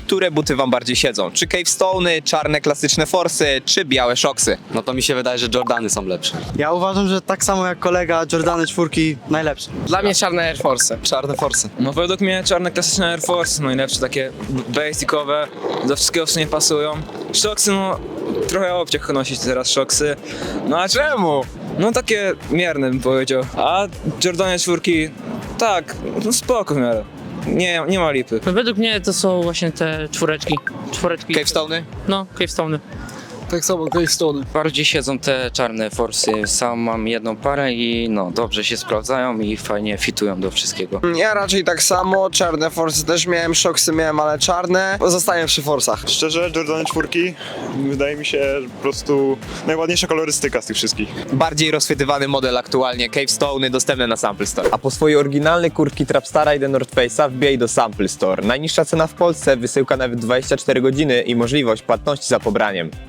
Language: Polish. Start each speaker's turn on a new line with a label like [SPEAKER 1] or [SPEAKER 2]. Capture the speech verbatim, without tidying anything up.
[SPEAKER 1] które buty wam bardziej siedzą? Czy Cave Stone'y, czarne klasyczne Forsy, czy białe Shoxy?
[SPEAKER 2] No to mi się wydaje, że Jordany są lepsze.
[SPEAKER 3] Ja uważam, że tak samo jak kolega, Jordany czwórki najlepsze.
[SPEAKER 4] Dla mnie czarne Air Force.
[SPEAKER 5] Czarne Forsy.
[SPEAKER 6] No według mnie czarne klasyczne Air Force, najlepsze takie basicowe, do wszystkiego w sumie pasują. Shoxy, no trochę obciach nosić teraz Shoxy. No a czemu? No takie mierne bym powiedział. A Jordanie czwórki, tak, no spoko w miarę. Nie, nie ma lipy.
[SPEAKER 7] No według mnie to są właśnie te czwóreczki. Czwóreczki.
[SPEAKER 1] Cave Stone'y?
[SPEAKER 7] No, Cave Stone'y.
[SPEAKER 5] Tak samo, Cave Stone.
[SPEAKER 8] Bardziej siedzą te czarne forsy. Sam mam jedną parę i no dobrze się sprawdzają i fajnie fitują do wszystkiego.
[SPEAKER 5] Ja raczej tak samo, czarne Forsy też miałem, Shoxy miałem, ale czarne. Zostaję przy Forsach.
[SPEAKER 9] Szczerze, Jordany czwórki wydaje mi się po prostu najładniejsza kolorystyka z tych wszystkich.
[SPEAKER 1] Bardziej rozchwytywany model aktualnie, Cave Stone'y dostępne na Sample Store. A po swoje oryginalne kurtki Trapstara i The North Face'a wbijaj do Sample Store. Najniższa cena w Polsce, wysyłka nawet dwadzieścia cztery godziny i możliwość płatności za pobraniem.